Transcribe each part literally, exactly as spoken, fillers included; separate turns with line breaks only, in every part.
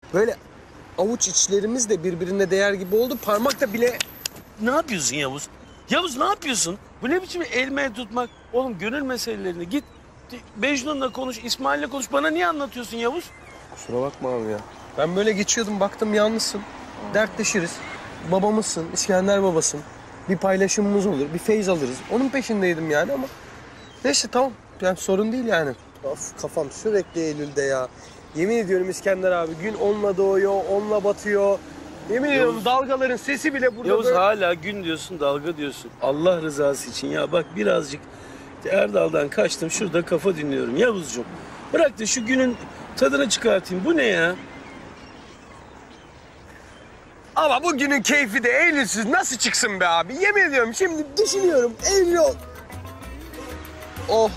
Böyle avuç içlerimiz de birbirine değer gibi oldu. Parmakta bile...
Ne yapıyorsun Yavuz? Yavuz ne yapıyorsun? Bu ne biçim elmeye tutmak? Oğlum gönül meselelerini git Mecnun'la konuş, İsmail'le konuş. Bana niye anlatıyorsun Yavuz?
Kusura bakma abi ya. Ben böyle geçiyordum, baktım yalnızsın. Dertleşiriz. Babamızsın, İskender babasın. Bir paylaşımımız olur, bir feyz alırız. Onun peşindeydim yani ama... Neyse tamam, yani sorun değil yani. Of kafam sürekli Eylül'de ya. Yemin ediyorum İskender abi, gün onunla doğuyor, onunla batıyor. Yemin
Yavuz,
ediyorum dalgaların sesi bile burada...
Yavuz
böyle...
hala gün diyorsun, dalga diyorsun. Allah rızası için ya bak birazcık Erdal'dan kaçtım. Şurada kafa dinliyorum Yavuzcuğum. Bırak da şu günün tadını çıkartayım. Bu ne ya?
Ama bugünün keyfi de Eylül'süz nasıl çıksın be abi? Yemin ediyorum şimdi düşünüyorum. Eylül ol. Oh.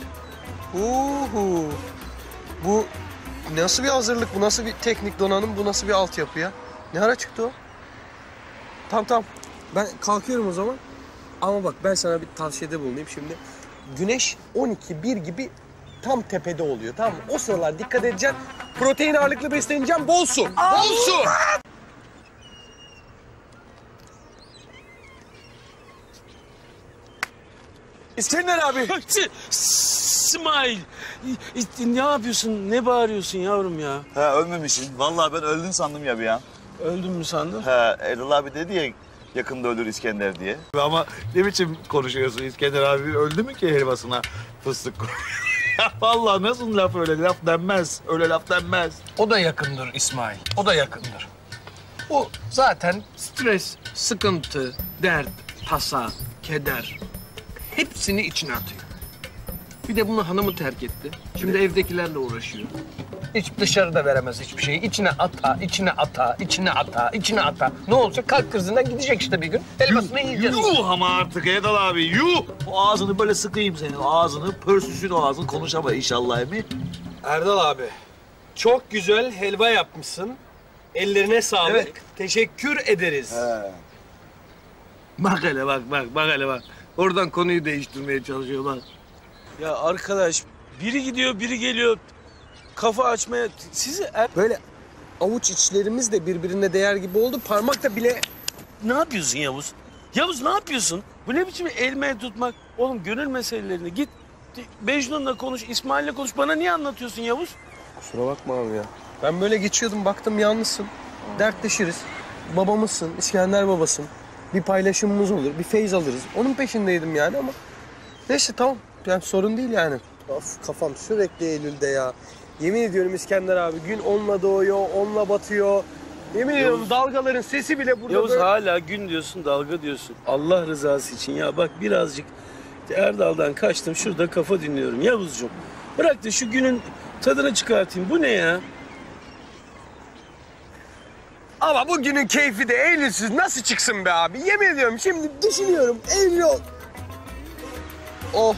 Uhu. Bu nasıl bir hazırlık? Bu nasıl bir teknik donanım? Bu nasıl bir altyapı ya? Ne ara çıktı o? Tamam tamam. Ben kalkıyorum o zaman. Ama bak ben sana bir tavsiyede bulunayım şimdi. Güneş on iki bir gibi tam tepede oluyor, tamam mı? O sıralar dikkat edeceksin. Protein ağırlıklı besleneceğim. Bol su. Bol su. İskender abi.
İsmail. Ne yapıyorsun? Ne bağırıyorsun yavrum ya?
Ha ölmemişsin. Vallahi ben öldün sandım ya bir an.
Öldün mü sandın?
Ha Erdal abi dedi ya yakında ölür İskender diye.
Ama ne biçim konuşuyorsun İskender abi? Öldü mü ki helvasına fıstık koyuyor? Vallahi nasıl laf öyle laf denmez. Öyle laf denmez.
O da yakındır İsmail. O da yakındır. O zaten stres, sıkıntı, dert, tasa, keder hepsini içine atıyor. Bir de bunu hanımı terk etti. Şimdi evdekilerle uğraşıyor. Hiç dışarıda veremez hiçbir şeyi. İçine ata, içine ata, içine ata, içine ata. Ne olacak? Kalp krizinden gidecek işte bir gün. Helvasını yiyeceğiz.
Yuh ama artık Erdal abi yuh. O ağzını böyle sıkayım senin. O ağzını pörsüsün o ağzını konuşama inşallah emi.
Erdal abi, çok güzel helva yapmışsın. Ellerine sağlık.
Evet.
Teşekkür ederiz.
He.
Bak hele bak bak bak hele bak. Oradan konuyu değiştirmeye çalışıyor bak.
Ya arkadaş biri gidiyor biri geliyor. Kafa açmaya... Sizi er...
Böyle avuç içlerimiz de birbirine değer gibi oldu. Parmakta bile...
Ne yapıyorsun Yavuz? Yavuz ne yapıyorsun? Bu ne biçim elmeye tutmak? Oğlum gönül meselelerini git Mecnun'la konuş, İsmail'le konuş. Bana niye anlatıyorsun Yavuz?
Kusura bakma abi ya. Ben böyle geçiyordum, baktım yalnızsın. Dertleşiriz. Babamızsın, İskender babasın. Bir paylaşımımız olur, bir feyz alırız. Onun peşindeydim yani ama... Neyse tamam, yani sorun değil yani. Of kafam sürekli Eylül'de ya. Yemin ediyorum İskender abi, gün onunla doğuyor, onunla batıyor. Yemin ediyorum
Yavuz,
dalgaların sesi bile burada
Yavuz
böyle...
hala gün diyorsun, dalga diyorsun. Allah rızası için ya bak birazcık Erdal'dan kaçtım. Şurada kafa dinliyorum Yavuzcuğum. Bırak da şu günün tadını çıkartayım. Bu ne ya?
Ama bugünün keyfi de Eylül'süz nasıl çıksın be abi? Yemin ediyorum şimdi düşünüyorum. Eylül ol. Oh.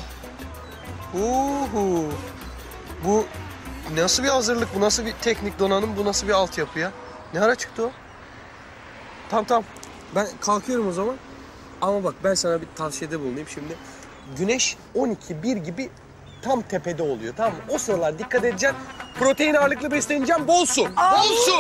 Uhu. Bu nasıl bir hazırlık? Bu nasıl bir teknik donanım? Bu nasıl bir altyapı ya? Ne ara çıktı o? Tamam tamam. Ben kalkıyorum o zaman. Ama bak ben sana bir tavsiyede bulunayım şimdi. Güneş on iki bir gibi tam tepede oluyor, tamam mı? O sıralar dikkat edeceksin. Protein ağırlıklı besleneceğim. Bol su. Bol su.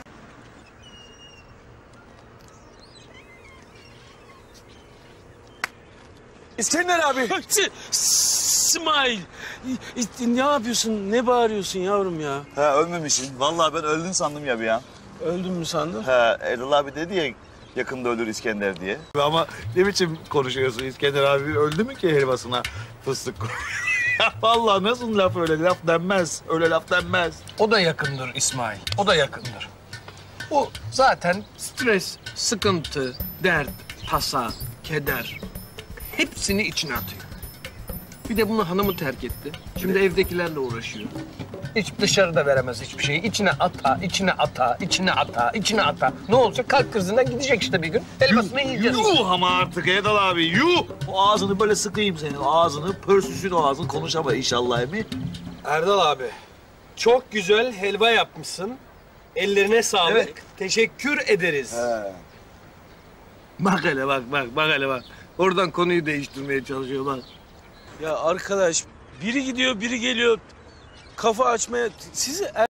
İskender abi.
İsmail. Ne yapıyorsun? Ne bağırıyorsun yavrum ya?
Ha ölmemişsin. Vallahi ben öldün sandım ya bir an.
Öldün mü sandın?
Ha Erdal abi dedi ya yakında ölür İskender diye.
Ama ne biçim konuşuyorsun İskender abi? Öldü mü ki helvasına fıstık koyuyor? Vallahi nasıl laf öyle laf denmez. Öyle laf denmez.
O da yakındır İsmail. O da yakındır. O zaten stres, sıkıntı, dert, tasa, keder hepsini içine atıyor. Bir de bunu hanımı terk etti. Şimdi evdekilerle uğraşıyor. Hiç dışarıda veremez hiçbir şeyi. İçine ata, içine ata, içine ata, içine ata. Ne olacak? Kalp krizinden gidecek işte bir gün. Helvasını yiyeceğiz.
Yuh ama artık Erdal abi yuh. O ağzını böyle sıkayım senin. O ağzını pörsüsün o ağzını konuşama inşallah emi.
Erdal abi, çok güzel helva yapmışsın. Ellerine sağlık.
Evet.
Teşekkür ederiz.
He.
Bak hele bak bak bak hele bak. Oradan konuyu değiştirmeye çalışıyor bak.
Ya arkadaş biri gidiyor biri geliyor. Kafa açmaya... Sizi er...